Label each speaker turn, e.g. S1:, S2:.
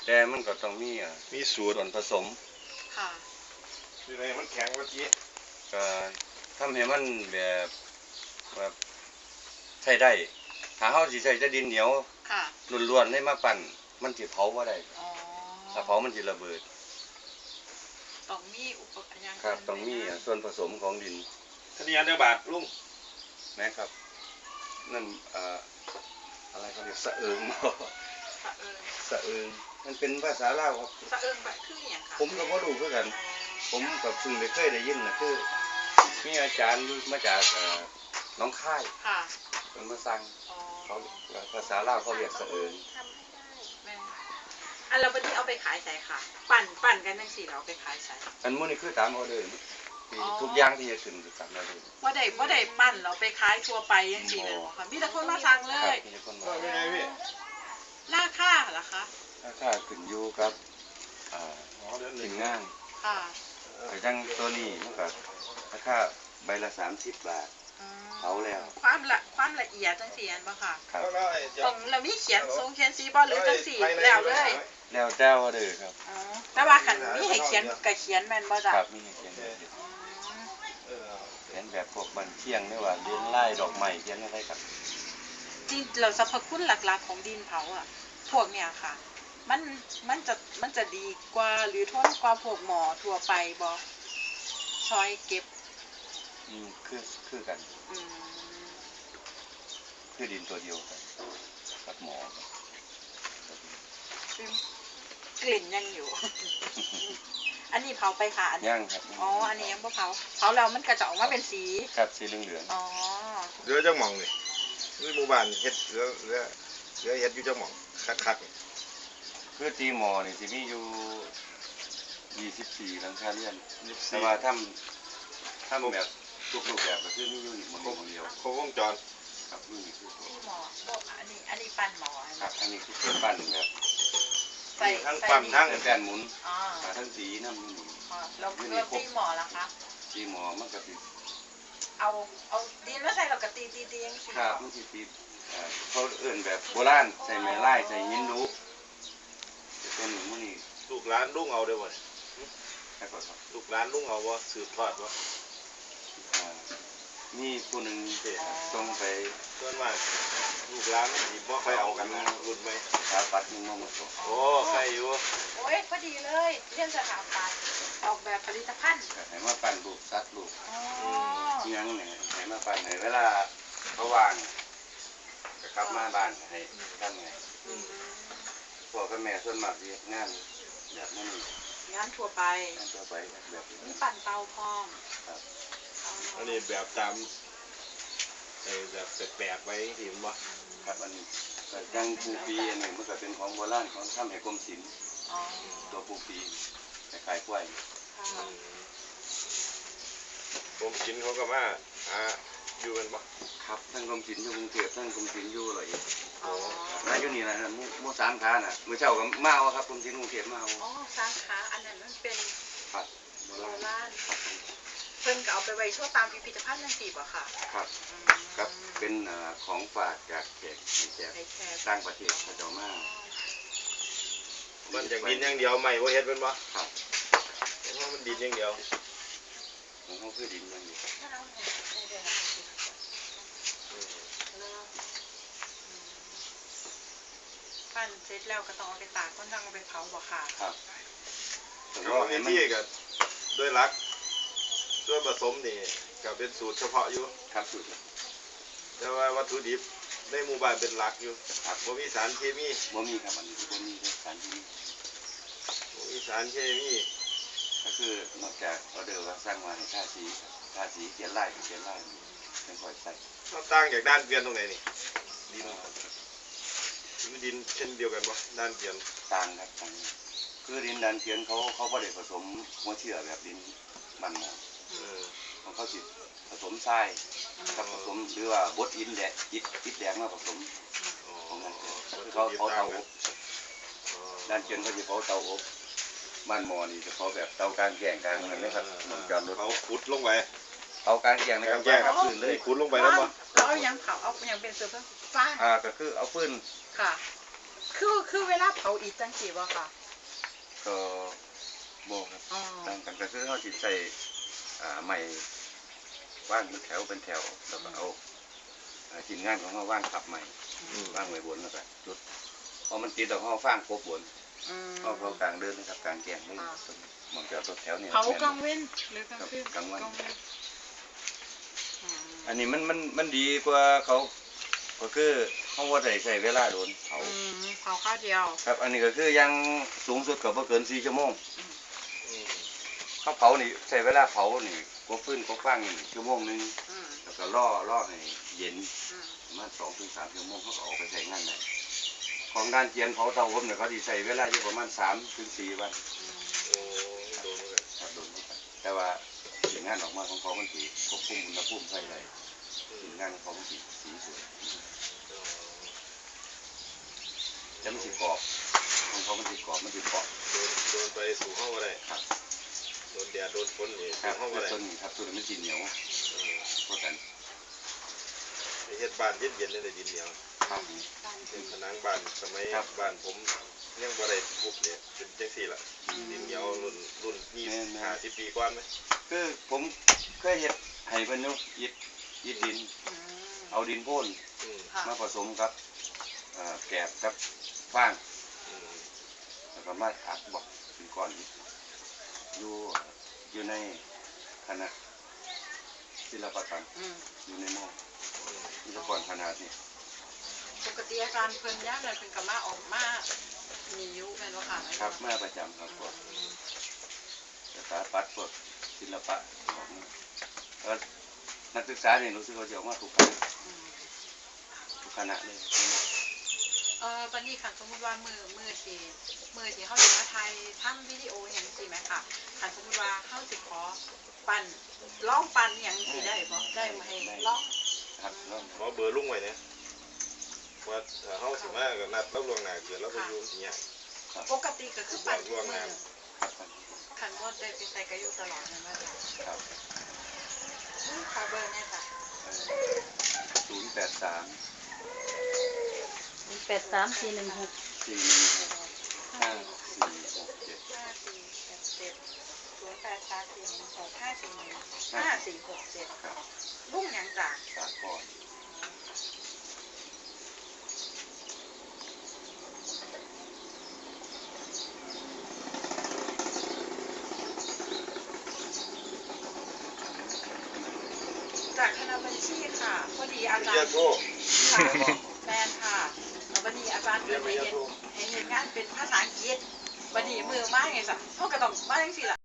S1: แต่มันก็ต้องมี
S2: สูตร
S1: ส่วนผสม
S3: ค่ะ
S2: อยู่ในมันแข็งว่าจี้
S1: ก็ทำให้มันแบบใช้ได้ถ้าเฮาสิใช้แต่ดินเหนียว
S3: ค่ะ
S1: ล้วนๆให้มาปั่นมันสิเผาบ่ได้
S3: อ๋อ
S1: ถ้าเผามันสิระเบิด
S3: ต้องมีอุปกรณ์อย่าง
S1: ครับต้องมีส่วนผสมของดิน
S2: ท่านนี้อันเดียวบาทลุง
S1: นะครับนั่นอะไรเขาเรียกสะเอิงสะเอิงมันเป็นภาษาลาวครับ
S3: สะเอิงแบบคืออย่างค่ะ
S1: ผมก็บ่รู้คือกันผมกับเพิ่งได้เคยได้ยินนะคือมีอาจารย์มาจากน้องค่าย
S3: ค่ะ
S1: เป็นมาสั่งเขาภาษาลาวเขาเรียกสะเอิง
S3: อันเราวันนี้เอาไปขายใส่ค่ะปั่นกันทั้งสี่เราไปขายใส่
S1: อันมื้อนี้คือตามออเดอร์ทุกอย่างที่จะขึ้นตามออเดอร์
S3: ว่าได้ปั่นเราไปขายทั่วไปยังสี่เลยค่ะมีแต่คนมาสั่งเลย
S1: มีคนมา
S3: ราคาเหรอคะ
S1: ราคาขึ้นอยู่กับถึงงาน
S3: ค่ะ
S1: แต่จังตัวนี้มันก็ราคาใบละ30 บาทเขาแล้ว
S3: ความละเอียดจังสี่อันบ่ค่ะ
S1: ครับ
S3: ตรงเรามีเขียนทรงเขียนสีบ่หรือจังสี่แล้วเลย
S1: แล้วเจ้าเด้อครับ
S3: แต่ว่าขันมีให้เขียนกับเขียนแม่นบ่จ้ะ
S1: ครับมีให้เขียนแบบพวกบันเทียงนี่ว่าเลี้ยงไล่ดอกไม้เขียนอะไรครับ
S3: จริงเราสรรพคุณหลักๆของดินเผาอ่ะพวกเนี่ยค่ะมันจะดีกว่าหรือทนกว่าพวกหมอทั่วไปบ่ซอยเก็บ
S1: คือกันคือดินตัวเดียวกันกับหม
S3: อกลิ่นยังอยู่ อันนี้เผาไปค่ะ
S1: ยังครับ
S3: อ๋ออันนี้ยังบ่เผาแล้วมันกระจะออกมาเป็นสี
S1: ครับสีเหลือง
S3: อ๋อ
S2: เรือจังหม่องนี่คือหมู่บ้านเฮ็ดเรือเฮ็ดอยู่จังหม่องคัก
S1: คือตีหมอนี่สิมีอยู่24หลังคาเรือนแต่ว่าทำแบบทุกรูปแบบก็คือมีอยู่นี่หมดเดียว
S2: ครบวงจร
S1: ครับนี่คือ
S3: หมออันนี้ปั้นหมอ
S1: ครับอันนี้คือปั้นแบบ
S2: ทั้งปั๊มทั้ง
S1: แกนหมุนทั้งสีน้ำนี่
S3: แล้วตีหมอล่ะคะ
S1: ตีหมอมันก็ติด
S3: เอาดินมาใส่เราก็ตียังสิ
S1: ครับมันตีเขาเอื่นแบบโบราณใส่ไม้ไล่ใส่หินรูเป็นมันนี่
S2: ลูกหลานลุงเอาได้บ่
S1: ครับ
S2: ลูกหลานลุงเอาบ่สืบทอดบ่
S1: นี่ผู้หนึ่งตรงไป
S2: ส่วนมากลูกหลานสิบ่ค่อยเอากันนะรุ่นใหม่
S1: สถาปัตย์มึงมาส่ง
S2: โอ้ใครอยู่
S3: โอ้ยพอดีเลยเรื่องสถาปัตย์ออกแบบผลิตภัณฑ์
S1: ให้มาปั่นลูกซัดลูกยังเนี่ยให้มาปั่นให้เวลาเขาวางก็กลับมาบ้านให้ทำไงพ่อกับแม่ส่วนมากที่งานแบบนี้
S3: งานทั่วไป
S1: แบบ
S3: มีปั่นเตาพร้อม
S2: อันนี้แบบตามแบบแปลกๆไว้ที่มั้ง
S1: ครับอันนี้ยังปูปีอันนี้มันก็เป็นของโบราณของทำให้กรมศิลป์ตัวปูปีขายกล้วย
S2: กรมศิลป์เขาก็มาอยู่กันปะ
S1: ครับทั้งกรมศิลป์อยู่กรุงเทพทั้งกรมศิลป์อยู่อะไรมาอยู่นี่นะมู่สามขาน่ะเมื่อเช้าก็มาเอาครับกรมศิลป์กรุงเทพมาเอา
S3: อ๋อสามขาอันนั้นมันเป็น
S1: โบ
S3: ราณเพิ่นก็เอาไปไว้ชั่วตามพิพิธภัณฑ์นั่นสิบ่ค่ะ
S1: ครับครับเป็นของฝากจากแขกต่างประเทศพระเจ้ามา
S2: มันจากดินอย่างเดียวไม่ว่าเฮ็ดเป็นบ่
S1: ครับ
S2: เพราะมันดินอย่างเดียว
S1: ของเขาคือดินอย่างเดียว
S3: ปั้นเสร็จแล้วก็ต้องเอาไปตากก็ต้องเอาไปเผาบ่ค่ะ
S1: ครับ
S2: แล้ววิธีก็ด้วยรักด้วยผสมนี่ก็เป็นสูตรเฉพาะอยู่
S1: ครับสูตร
S2: แต่ว่าวัตถุดิบในหมู่บ้านเป็นหลักอยู่
S1: ครับ
S2: บ่มีสารเคมี
S1: บ่มีครับมันบ่มีสารเคมี
S2: บ่มีสารเคมี
S1: ก็คือนอกจากออเดอร์ว่าสร้างมาให้ทาสีเขียนลายเป็นค่อยใส่
S2: ต่างจากด้านเกวียนตรงไหนนี่ดินเช่นเดียวกันบ่ด้านเกวียน
S1: ต่างครับต่างคือดินด้านเกวียนเขาบ่ได้ผสมหัวเชื้อแบบดินมันของเขาสิผสมทรายกับผสมหรือว่าบดอิฐแดงมาผสมของมันเขาเตาอบด้านเกวียนเขาจะเขาเตาอบบ้านหมอนี่จะเขาแบบเตากลางแก่งกลางอะไรนะครับ
S2: เขาขุดลงไป
S1: เอากลางแก่งนะครับ
S2: แก่งครับฟืนเลยขุดลงไปแล้วมั้ง
S3: เอาอย่างเผาเอาอย่างเป็นเสื้อผ้า
S1: ก็คือเอาฟืน
S3: ค่ะคือเวลาเผาอิฐจังซี่บ่ค่ะ
S1: ก็บ่ครับ
S3: อ๋อ
S1: ต่างกันก็คือเขาสิใส่ไม้ว่างเป็นแถวเป็นแถวแล้วก็เอาทีมงานของเขาว่างขับใหม่ว่างไว้บนแล้วก็จุดพอมันติดแล้วเขาฟางกบบน
S3: อืม
S1: เขากลางเดินนะครับกลางแจ้งเลยมันจะตัวแถวเนี่ย
S3: เผากลางเว้นหรือกลางคืน
S1: กลางวัน
S3: อืม
S1: อันนี้มันดีกว่าเขาก็คือเขาว่าใส่เวลาโดนเผา
S3: เผาข้าวเดียว
S1: ครับอันนี้ก็คือยังสูงสุดก็บ่เกิน4 ชั่วโมง
S2: อืม
S1: เขาเผานี่ใช้เวลาเผานี่กบฟื้นกบฟางนี่ชั่วโมงนึง
S3: อืม
S1: แล้วก็ล่อให้เย็น
S3: อืม
S1: ประมาณ2 ถึง 3 ชั่วโมงเขาก็ออกไปใช้งานได้ของด้านเจียนเผาเตาอบเนี่ยเขาสิใช้เวลาอยู่ประมาณ3 ถึง 4 วัน
S2: โอ้โดนเหมือนกัน
S1: ครับโดนเหมือนกันแต่ว่าสิ่งงานออกมาของเขามันสิควบคุมอุณหภูมิไฟได้
S2: อืม
S1: สิ่งงานของเขามันสิสีสวย
S2: อ๋อ
S1: แล้วมันสิกรอบของเขามันสิกรอบมันสิเปาะ
S2: โดนไปสู่ห้องก็ได้
S1: ครับ
S2: โดนแดดโดนฝนนี่
S1: ครั
S2: สู่
S1: บ
S2: ห้องก็ได้
S1: ต้นนี้ครับต้นนี้มันสิเหนียวเพราะกัน
S2: ไอ้เฮ็ดบ้านเย็นๆนี่ได้ดินเหนียว
S1: ครับ
S2: เป็นผนังบ้านสมัย
S1: ครับ
S2: บ้านผมยังบ่ได้ปุ๊บเนี่ยเป็นจังซี่ล่ะดินเหนียวรุ่น50 ปีก่อนไหม
S1: คือผมเคยเฮ็ดให้เพิ่นอยู่อิฐดิน
S3: อืม
S1: เอาดินโพ่น
S2: อืม
S3: ค่ะ
S1: มาผสมกับแกบกับฟาง
S2: อืม
S1: แล้วก็มาอัดบอกเป็นก้อนอิฐอยู่ในคณะศิลปกรรม
S3: อืม
S1: อยู่ในหม้อ
S2: อืม
S1: มีตะกอนขนาดนี้
S3: ปกติอาจารย์เพิ่นย่ามนั้นเพิ่นก็มาออกมามีอยู่แม่นบ่ค่ะ
S1: ครับมาประจำครับพวกสถาปัตย์พวกศิลปะออกมาแล้วนักศึกษาเนี่ยรู้สึกว่าจะออกมาทุกคณะ
S3: อืม
S1: ทุกคณะเลย
S3: บัดนี้ค่ะสมมุติว่ามือที่เฮาสิมาถ่ายทำวิดีโอหยังสิแม่ค่ะคันสมมุติว่าเฮาสิขอปั่นลองปั่นหยังสิได้บ่ได้มาให้ลอง
S1: ครับแล้ว
S2: ขอเบอร์ลุงไว้เนี่ยว่าถ้าเฮาสิมาก็นัดรับล่วงหน้าเกิดแล้วก็อยู่ที่เนี่ย
S3: ปกติก็คือปั่นทุกมื้อ
S1: ครับ
S3: คันบ่ได้ไปใส่ก็อยู่ตลอดนั่นว่าจ้ะ
S1: ครับ
S3: ขอเบอร์แน่จ้ะ
S1: 083
S4: 83416
S1: 416
S3: 5467
S1: ครับ
S3: ลุงหยังจ้ะ
S1: สากล
S3: จากคณะบัญชีค่ะพอดีอาจาร
S2: เรียก
S3: ย์
S2: โทร
S3: ค่ะแมนค่ะแล้ววันนี้อาจารย์เปิดให้เห็นงานเป็นภาษาอังกฤษวันนี้มือมากไงสักเขาก็ต้องมาจังสิล่ะ